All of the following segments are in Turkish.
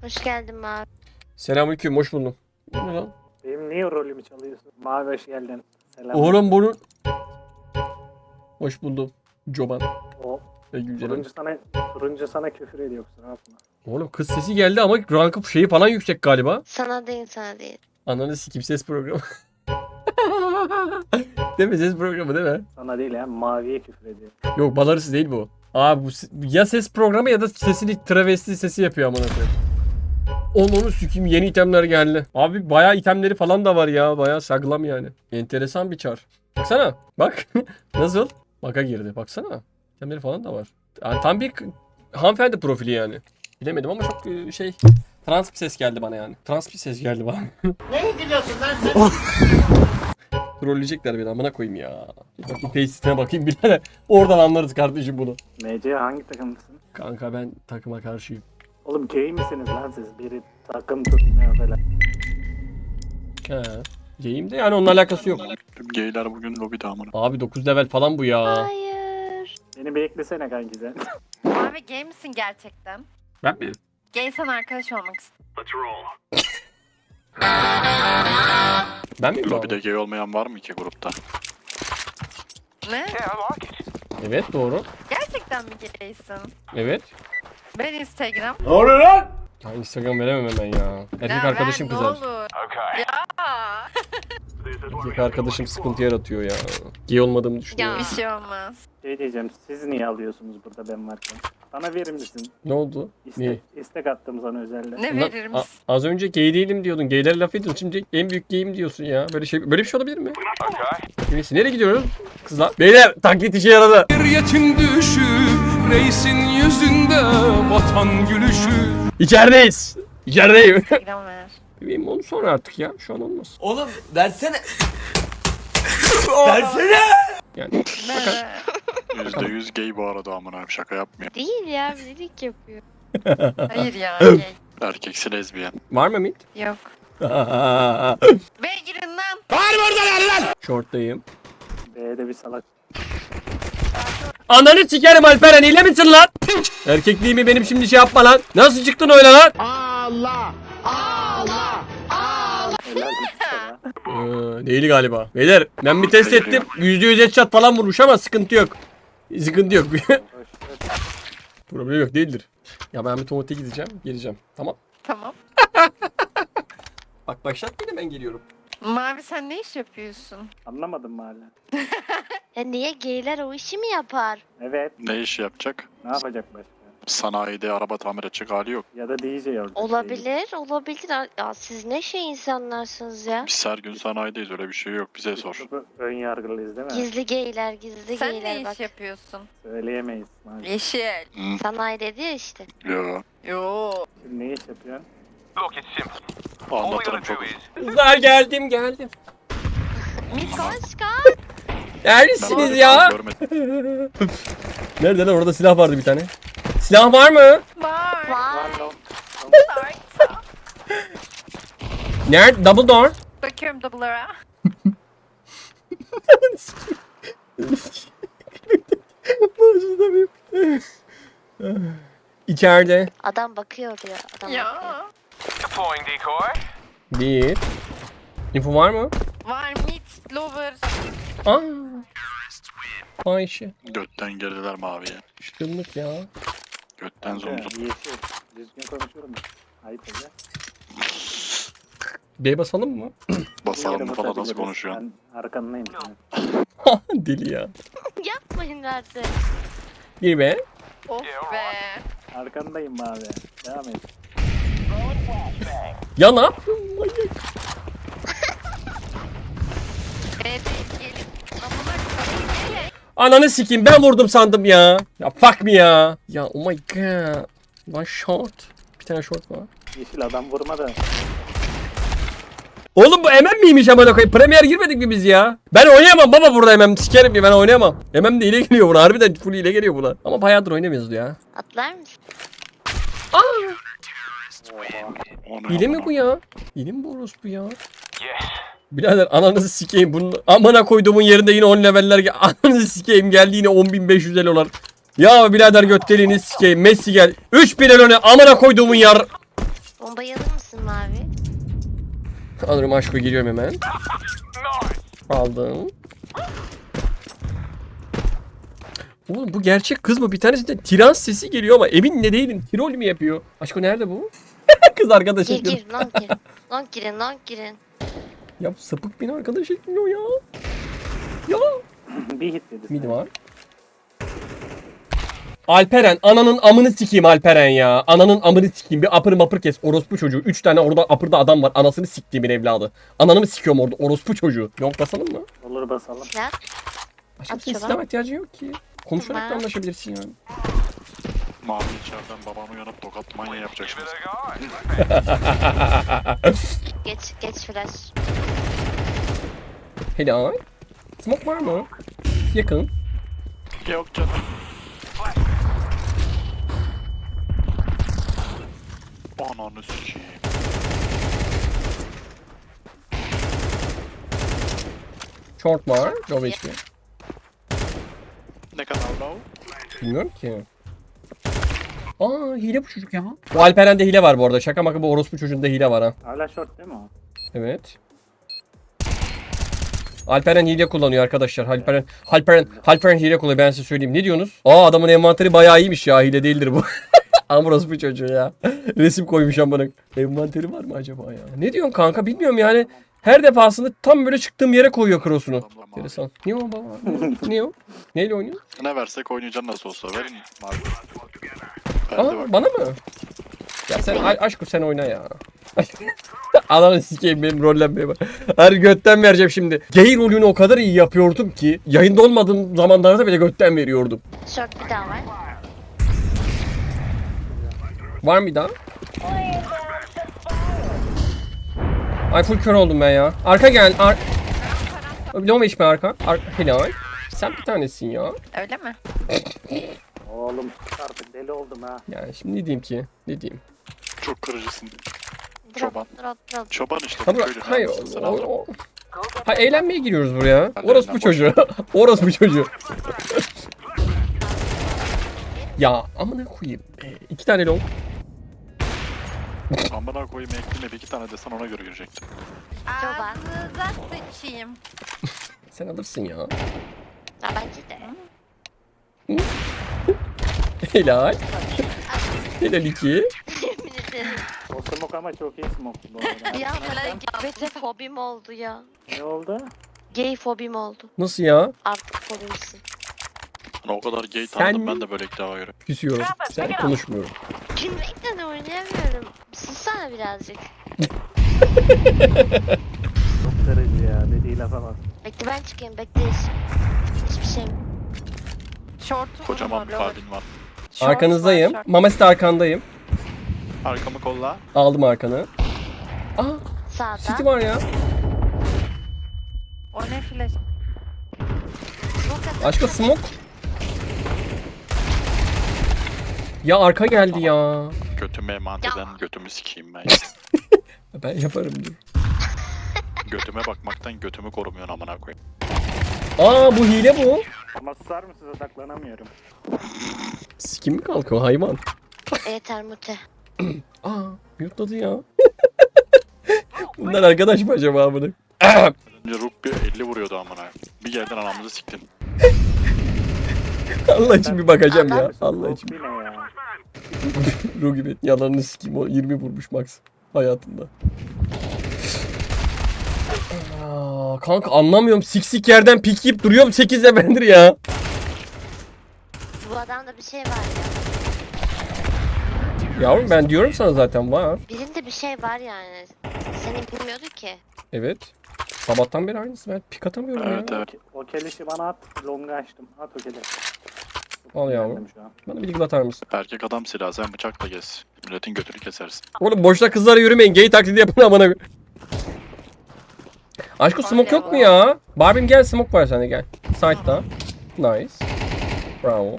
Hoş geldin Mavi. Selamünaleyküm, hoş buldum. Bu ne lan? Benim niye rolümü çalıyorsun? Mavi hoş geldin. Selam. Oğlum bunu... Hoş buldum. Çoban. O Güzel. turuncu sana küfür ediyor, kusura bakma. Oğlum kız sesi geldi ama rankı şeyi falan yüksek galiba. Sana değil. Ananı sikim ses programı. Değil mi, ses programı değil mi? Sana değil ya, maviye küfür ediyor. Yok, balarısı değil bu. Abi bu ya ses programı ya da sesini travesti sesi yapıyor amına koyayım. Onu sikeyim, yeni itemler geldi. Abi bayağı itemleri falan da var ya, bayağı saglam yani. Enteresan bir çar. Baksana bak. Nasıl? Baka girdi, baksana. İtemleri falan da var. Yani tam bir hanımefendi profili yani. Bilemedim ama çok şey, trans bir ses geldi bana yani. Trans bir ses geldi bana. Ne gülüyorsun lan sen? Trolleyecekler beni, amına koyayım ya. Bir bakayım face'ine bakayım birader. Oradan anlarız kardeşim bunu. MC hangi takımlısın? Kanka ben takıma karşıyım. Oğlum gay misiniz lan siz? Biri takım tutmuyor falan. He. Gayim de yani onunla alakası yok. Tüm geyler bugün lobide amına. Abi 9 level falan bu ya. Hayır. Beni beklesene kanki sen. Abi gay misin gerçekten? Ben mi? Gaysen arkadaş olmak istiyorum. Ben miyim bu Lobide abi? gay olmayan var mı ki grupta? Ne? Evet doğru. Gerçekten mi gaysin? Evet. Ben Instagram. Ya Instagram veremem hemen ya. Erkek Ya arkadaşım ver, kızar. Ne olur. Ya. Erkek arkadaşım sıkıntı yaratıyor ya. Gay olmadığımı düşünüyor. Ya. Bir şey olmaz. Şey diyeceğim, siz niye alıyorsunuz burada ben varken? Bana verir misin? Ne oldu? Niye? İstek attım sana özelde. Ne Ulan, verir misin? az önce gay değilim diyordun. Gaylere laf ediyorsun. Şimdi en büyük gayim diyorsun ya. Böyle bir şey olabilir mi? Neyse, nereye gidiyoruz? Kızlar. Beyler, taklit işe yaradı. Bir yetim düşü, reisin yüzünde vatan gülüşü. İçerideyiz. İçerideyim. Instagram ver. Bebeğim onu sonra artık ya. Şu an olmaz. Oğlum versene. Versene. Yani Ver. %100 gay bu arada amına, şaka yapmıyor. Değil ya, birlik yapıyor. Hayır ya gay. Erkeksi lezbiyen. var mı mid? Yok. Be girin lan. Short'tayım. B'de bir salak. Ananı sikerim Alperen, hile misin lan? Erkekliğimi benim şimdi şey yapma lan. Nasıl çıktın öyle lan? Helal olsun sana. Değil galiba. Beyler ben bir test ettim. %100 headshot falan vurmuş ama sıkıntı yok. Sıkıntı yok. Hoş, hoş. Problem yok, değildir. Ya ben bir tuvalete gideceğim. Geleceğim. Tamam. Tamam. Bak başlatmayın, ben geliyorum. Mavi sen ne iş yapıyorsun? Anlamadım mı hala? Ya niye geyler o işi mi yapar? Evet, Ne iş yapacak? ne yapacak başka? Sanayide araba tamir edecek hali yok. Ya da DJ olacak. Olabilir. Ya siz ne şey insanlarsınız ya. Biz her gün sanayideyiz, öyle bir şey yok, bize sor. Ön yargılıyız değil mi? Gizli geyler, Sen ne iş bak. yapıyorsun? Söyleyemeyiz. Maalesef. Yeşil. Hı, Sanayi dedi ya işte. yo. Yo. Şimdi ne iş yapıyorsun? Anlatırım çok. Kızlar geldim. Koş. Neredesiniz Ben ya? görmedim. Nerede lan, orada silah vardı bir tane. Silah var mı? Var. Vay. Var. Nerede? Double door. Bakıyorum double'lara. İçeride. Adam bakıyor diyor. Adam bakıyor. Ya. Bir. Info var mı? Var mid, lover. Aa. Ayşe. Götten girdiler maviye. Şıkınlık ya. Götten Kanka, zomzum. yeşil. Düzgün konuşuyorum. Ayıp oluyor. B basalım mı? Basalım Yere falan nasıl basabiliriz. konuşuyorsun? Ben arkandayım senin. Deli ya. Yapmayın artık. Bir B. Of be. Arkandayım abi. Devam et. Ya ne yapıyorsun? Manyak. B değil gelin. Amına koyayım. Ananı sikeyim, ben vurdum sandım ya. Ya fuck me ya. Ya oh my god. One shot. Bir tane short var. Yeşil adam vurma da. Oğlum bu MM miymiş amına koyayım? Premier girmedik mi biz ya? Ben oynayamam baba burada MM. Sikerim ya, ben oynayamam. MM de hile geliyor buna. Harbiden full hile geliyor buna. Ama bayağıdır oynamıyoruz ya. Atlar mısın? O ne Hile mi amına? bu ya? Hile mi bu orospu ya? Birader ananızı sikeyim bunun. Amına koyduğumun yerinde yine 10 leveller ananızı sikeyim, geldi yine 10.500 dolar. Ya birader göt deliğini sikeyim. Messi gel. 3000 öne amına koyduğumun yar. Bombayı alır mısın Mavi? Alırım aşkı, giriyorum hemen. Aldım. Oğlum bu gerçek kız mı? Bir tanesi tiran sesi geliyor ama emin ne değilim. Tirol mi yapıyor? Aşkı nerede bu? Kız arkadaş Gir ekliyor. gir lan girin. Lan girin lan girin. Ya bu sapık beni arkadaş ekliyor ya. Ya. Bir hit dedi. Mid var. Alperen, ananın amını sikeyim Alperen ya. Ananın amını sikeyim. Bir apır mapır kes. Orospu çocuğu. 3 tane orada apırda adam var. Anasını siktiğimin evladı. Ananı mı sikiyorum orada? Orospu çocuğu. Yok basalım mı? Olur basalım. Silah. Başka At senin şuna. silah ihtiyacın yok ki. Konuşarak da Tamam. anlaşabilirsin yani. Mavi içeriden babamı uyanıp tokat manya yapacak şimdi. Geç flash. Helal. Smoke var mı? Yakın. Yok canım. Ananı sikeyim. Short var. Low HP. Ne kadar low? Bilmiyorum ki. Aa, hile bu çocuk ya. Bu Alperen'de hile var bu arada. Şaka maka bu orospu çocuğunda hile var ha. Hala short değil mi o? Evet. Alperen hile kullanıyor arkadaşlar. Alperen hile kullanıyor, ben size söyleyeyim. Ne diyorsunuz? Aa, adamın envanteri bayağı iyiymiş ya. Hile değildir bu. Amros bu çocuğu ya. Resim koymuş amına. Envanteri var mı acaba ya? Ne diyorsun kanka, bilmiyorum yani. Her defasında tam böyle çıktığım yere koyuyor cross'unu. Enteresan. Niye o baba? Niye o? Neyle oynuyor? Ne versek oynayacaksın nasıl olsa. Verin mavi. Aa, bana mı? Ya sen aşkım sen oyna ya. Ananı sikeyim, benim rollenmeye bak. Her götten vereceğim şimdi. Gay rolünü o kadar iyi yapıyordum ki yayında olmadığım zamanlarda bile götten veriyordum. Short bir daha var. Var mı bir daha? Ay full kör oldum ben ya. Arka gel. Low HP arka. Helal. Sen bir tanesin ya. Öyle mi? Oğlum artık deli oldum ha. Yani şimdi ne diyeyim ki? Ne diyeyim? Çok kırıcısın. Drop Çoban. drop. Çoban işte. Ha, köylü. hayır. Sen alırım. Ha, eğlenmeye giriyoruz buraya. Hadi Orospu eğlen, çocuğu. Orospu çocuğu. Ya amına koyayım. 2 tane long. Amına koyayım ekleme bir iki tane desen ona göre girecektim. Çoban. Ağzınıza sıçayım. Sen alırsın ya. Ha bence de. Helal. Helal 2. Yemin ederim. O smoke ama çok iyi smoke bu arada. Bir an böyle gay fobim oldu ya. Ne oldu? Gay fobim oldu. Nasıl ya? Artık fobimsin. Hani o kadar gay Sen tanıdım mi? ben de böyle ilk defa göre. Küsüyorum. Sen konuşmuyorum. Gülmekten oynayamıyorum. Sussana birazcık. Çok kırıcı ya. Dediği lafa bak. Bekle ben çıkayım, bekle. Hiçbir şey mi? Short'u Kocaman bir vurma, kalbin var. Short Arkanızdayım. var, short. Mamesi de arkandayım. Arkamı kolla. Aldım arkanı. Aa, City Sağda. var ya. O ne flash? Aşkım smoke. Ya arka geldi ya. Götüme emanet eden Ya. götümü sikeyim ben. Ben yaparım dur. Götüme bakmaktan götümü korumuyorsun amına koyayım. Aa, bu hile bu. Ama susar mısınız, odaklanamıyorum. Sikim mi kalkıyor hayvan? Yeter mute. Aa, mute'ladı ya. Bunlar arkadaş mı acaba bunu? Önce Rook bir 50 vuruyordu amına. Bir yerden anamızı siktin. Allah için bir bakacağım ya. Mısın? Allah için. Rock ne ya? Ruh gibi yalanını sikeyim, o 20 vurmuş max hayatında. Aa, kanka anlamıyorum, siksik yerden pik yiyip duruyorum 8'de bendir ya. Bu adamda bir şey var ya. Yavrum ben diyorum sana zaten var. Birinde bir şey var yani. Senin bilmiyordu ki. Evet. Sabahtan beri aynısı, ben pik atamıyorum Evet ya. evet. O kelişi bana at. Long'u açtım. At o keleşi. Al yavrum. Geldim şu an. Bana bir lig atar mısın? Erkek adam silahı sen bıçakla gez. Milletin götünü kesersin. Oğlum boşta kızlara yürümeyin, gay taklidi yapın amına. Aşkım smoke yok mu ya? Barbie'm gel, smoke var sende, gel. Side'da. Nice. Bravo.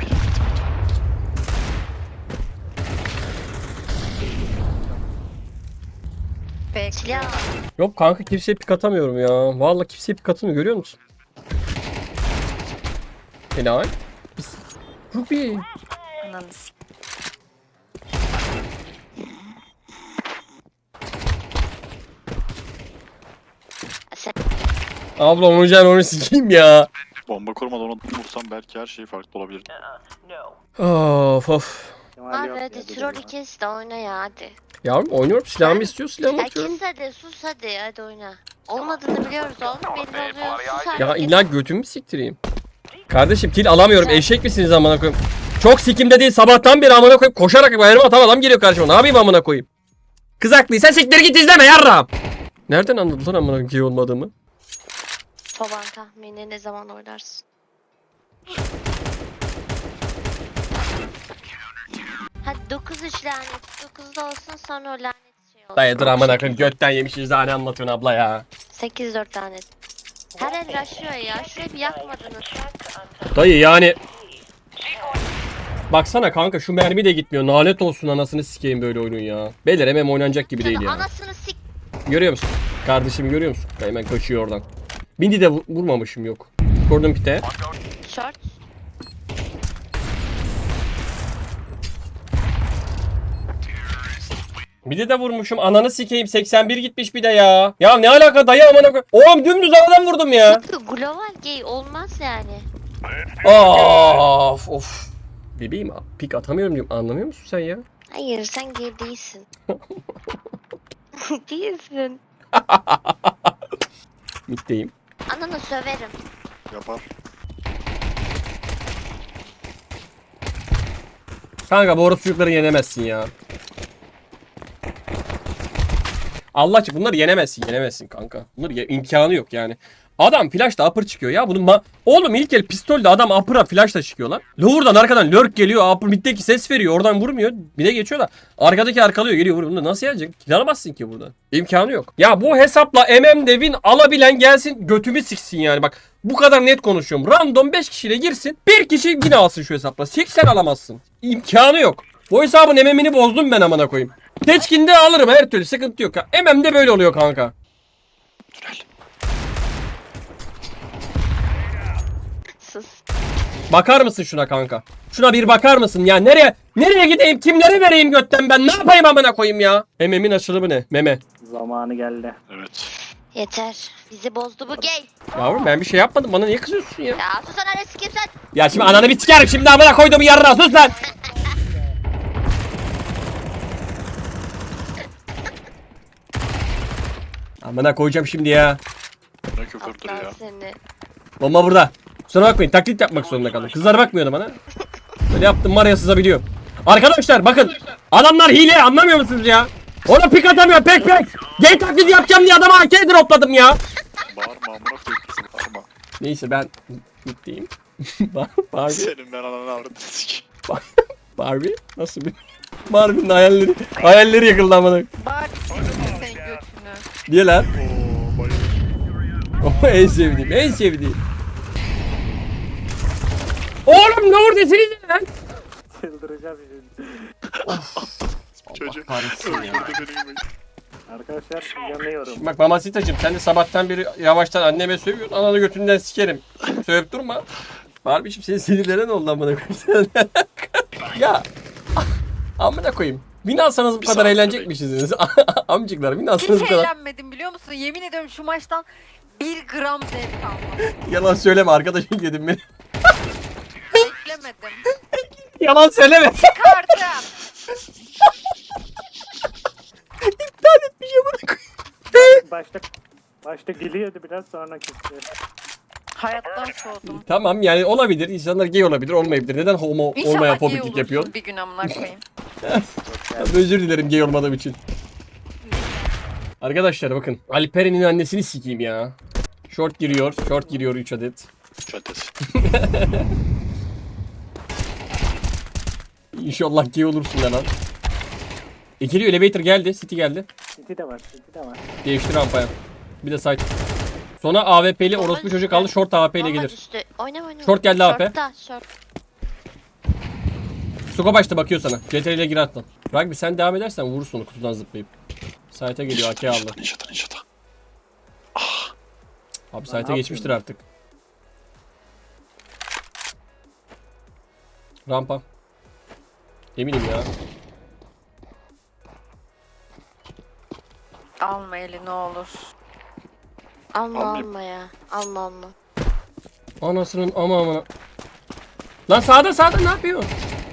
Bekle. Silah. Yok kanka, kimseye pik atamıyorum ya. Vallahi kimseye pik atamıyorum, görüyor musun? Helal. Ruby. Ananı s- Abla onu sikeyim ya. Bomba kurmadan onu vursam belki her şey farklı olabilir. Of of. Kemal Abi yok ya, hadi dur troll ya. ikisi de oyna ya hadi. Yavrum oynuyorum. Silahımı istiyor. Silahımı atıyorum. Herkes hadi sus hadi oyna. Olmadığını biliyoruz oğlum belli oluyor sus hadi. Ya illa götümü siktireyim. Kardeşim kill alamıyorum. Eşek misiniz amına koyayım? Çok sikimde değil. Sabahtan beri amına koyayım. Koşarak bayarıma atan adam geliyor karşıma. Ne yapayım amına koyayım? Kız haklıysa siktir git izleme yarrağım. Nereden anladın lan amına koyayım gay olmadığımı? Baban tahmini ne zaman oynarsın? Hadi 9-3 lanet. 9'da olsun sonra o lanet şey olsun. Dayı dur amına koyayım. Götten yemişiz daha ne anlatıyorsun abla ya. 8-4 lanet. Her el rushlıyor ya. Şurayı bir yakmadınız. Dayı yani. Baksana kanka şu mermi de gitmiyor. Lanet olsun anasını sikeyim böyle oyunun ya. Beyler hemen oynanacak gibi değil ya. Anasını sik. Görüyor musun? Kardeşim görüyor musun? Hemen kaçıyor oradan. Bindi de vurmamışım yok. Gordon pite. Short. Bir de vurmuşum. Ananı sikeyim. 81 gitmiş bir de ya. Ya ne alaka dayı amına koy. Oğlum dümdüz havadan vurdum ya. Global gay olmaz yani. Of of. Bebeğim pik atamıyorum diyorum. Anlamıyor musun sen ya? Hayır sen gay değilsin. Değilsin. Mitteyim. Ananı söverim. Yapar. Kanka bu orospu çocukları yenemezsin ya. Allah aşkına bunları yenemezsin kanka. Bunları imkanı yok yani. Adam flash'ta upper çıkıyor ya. Bunun oğlum ilk el pistolde adam upper'a flash'la çıkıyor lan. Lower'dan arkadan lurk geliyor. Upper mid'deki ses veriyor. Oradan vurmuyor. Bir de geçiyor da. Arkadaki arkalıyor geliyor vuruyor. Bunu nasıl yenecek? Alamazsın ki burada. İmkanı yok. Ya bu hesapla Devin alabilen gelsin götümü siksin yani. Bak bu kadar net konuşuyorum. Random 5 kişiyle girsin. Bir kişi yine alsın şu hesapla. 80 alamazsın. İmkanı yok. Bu hesabın MM'ini bozdum ben amına koyayım. Teçkinde alırım her türlü sıkıntı yok. MM'de böyle oluyor kanka. Sus. Bakar mısın şuna kanka? Şuna bir bakar mısın ya? Nereye gideyim? Kimlere vereyim götten ben? Ne yapayım amına koyayım ya? MM'in açılımı ne? Meme. Zamanı geldi. Evet. Yeter. Bizi bozdu bu gay. Yavrum ben bir şey yapmadım. Bana niye kızıyorsun ya? Ya sus ananı sikeyim sen. Ya şimdi ananı bir sikerim. Şimdi amına koyduğumu yarına sus lan. Amına koyacağım şimdi ya. Ne küfürdür Aptal ya. seni. Bomba burada. Kusura bakmayın taklit yapmak zorunda kaldım. Kızlar bakmıyordu bana. Böyle yaptım var ya sızabiliyorum. Arkadaşlar bakın. Adamlar hile anlamıyor musunuz ya? Ona pik atamıyor pek. Gay taklidi yapacağım diye adama AK dropladım ya. Bağırma amına koyayım kızım bağırma. Neyse ben mutluyum. Barbie. Senin ben ananı avradını sikeyim. Barbie nasıl bir? Barbie'nin hayalleri yıkıldı amına. Bak senin götünü. Niye lan? Oo bayılır. O en sevdiğim. Oğlum ne oradasınız lan? Çıldıracağım şimdi. Çocuk kahretsin ya. öldürdü beni gibi. Arkadaşlar yanıyorum. Bak Mamacita'cığım sen de sabahtan beri yavaştan anneme sövüyorsun. Ananı götünden sikerim. Sövüp durma. Barbie'cim senin sinirlere ne oldu amına koyayım? Ya amına koyayım. Win alsanız bu kadar saniye eğlenecekmişsiniz. Amcıklar win alsanız bu Hiç kadar. eğlenmedim biliyor musun? Yemin ediyorum şu maçtan 1 gram zevk almadım. Yalan söyleme arkadaşım dedim beni. Beklemedim. Yalan söyleme. Kartım. İptal etmiş amına koyayım. Başta geliyordu biraz sonra küstü. Hayattan soğudum. Tamam yani olabilir. İnsanlar gay olabilir, olmayabilir. Neden homo olmaya İnşallah gay fobiklik olursun yapıyorsun? bir gün amına koyayım. Özür dilerim gay olmadığım için. Arkadaşlar bakın. Alperen'in annesini sikeyim ya. Short giriyor 3 adet. Çatesi. İnşallah gay olursun lan. Geliyor elevator geldi. City geldi. City de var. Değiştir rampaya. Bir de site. Sonra AWP'li orospu çocuk kaldı. Short AWP ile Bomba gelir. düştü. Oynama. Short geldi AP. Short. Suko başta bakıyor sana. CTRL ile gir atla. Rugby sen devam edersen vurursun onu kutudan zıplayıp. Site'e geliyor AK aldı. Ninjata. Abi site'e geçmiştir artık. Rampa. Eminim ya. Alma eli ne olur. Alma Almayayım. alma ya. Alma alma. Anasının ama amına. Lan sağda ne yapıyor?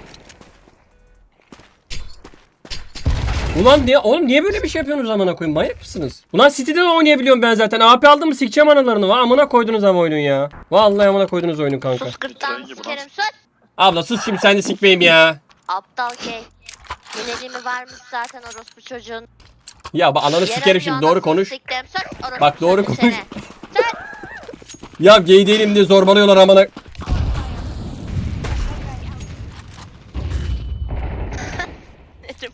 Ulan niye oğlum niye böyle bir şey yapıyorsunuz amına koyayım? Manyak mısınız? Ulan City'de de oynayabiliyorum ben zaten. AP aldım mı sikeceğim analarını. Va amına koydunuz ama oyunun ya. Vallahi amına koydunuz oyunun kanka. Sus gırtlağını Bitiren gibi sikerim lan. sus. Abla sus şimdi sen de sikmeyeyim ya. Aptal gay. Yönelimi varmış zaten orospu çocuğun. Ya bak ananı sikerim şimdi doğru konuş. Siktim. Sus orospu Bak, doğru çocuğu konuş. seni. Sus. Ya gay değilim diye zorbalıyorlar amına. Dedim.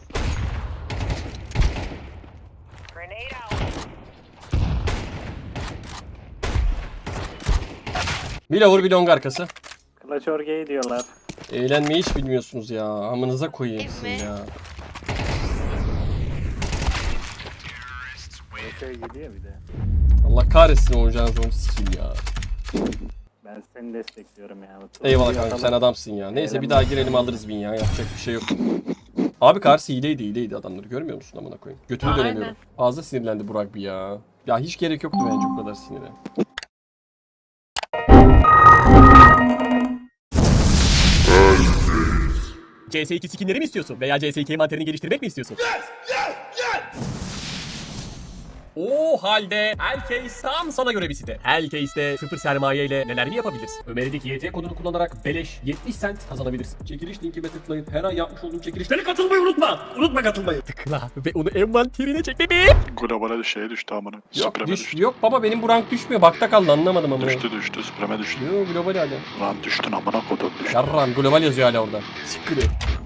Bir lavur bir long arkası. Clutch or gay diyorlar. Eğlenmeyi hiç bilmiyorsunuz ya. Amınıza koyayım sizin mi? ya. Şey gidiyor bir de. Allah kahretsin oynayacağınız oyunu sikeyim ya. Ben seni destekliyorum ya. Eyvallah kanka sen adamsın ya. Neyse bir daha girelim alırız win ya. Yapacak bir şey yok. Abi karşı hileydi adamları görmüyor musun amına koyayım? Götümü Aynen. dönemiyorum. Fazla sinirlendi Burak bir ya. Ya hiç gerek yoktu bence bu kadar sinire. CS2 skinleri mi istiyorsun? Veya CS2 manterini geliştirmek mi istiyorsun? O halde Hellcase tam sana göre bir site. Hellcase'de sıfır sermaye ile neler mi yapabilirsin? Ömer'deki YT kodunu kullanarak beleş 70 cent kazanabilirsin. Çekiliş linkime tıklayıp her ay yapmış olduğum çekilişlere katılmayı unutma. Unutma katılmayı. Tıkla ve onu envanterine çek bebeğim. Globale şeye düştü amına. Supreme düştü. Yok baba benim bu rank düşmüyor. Bakta kaldı anlamadım ama. Düştü. Supreme düştü. Yok global hala. Lan düştün amına kodum düştü. Yarram global yazıyor hala orada. Siktir.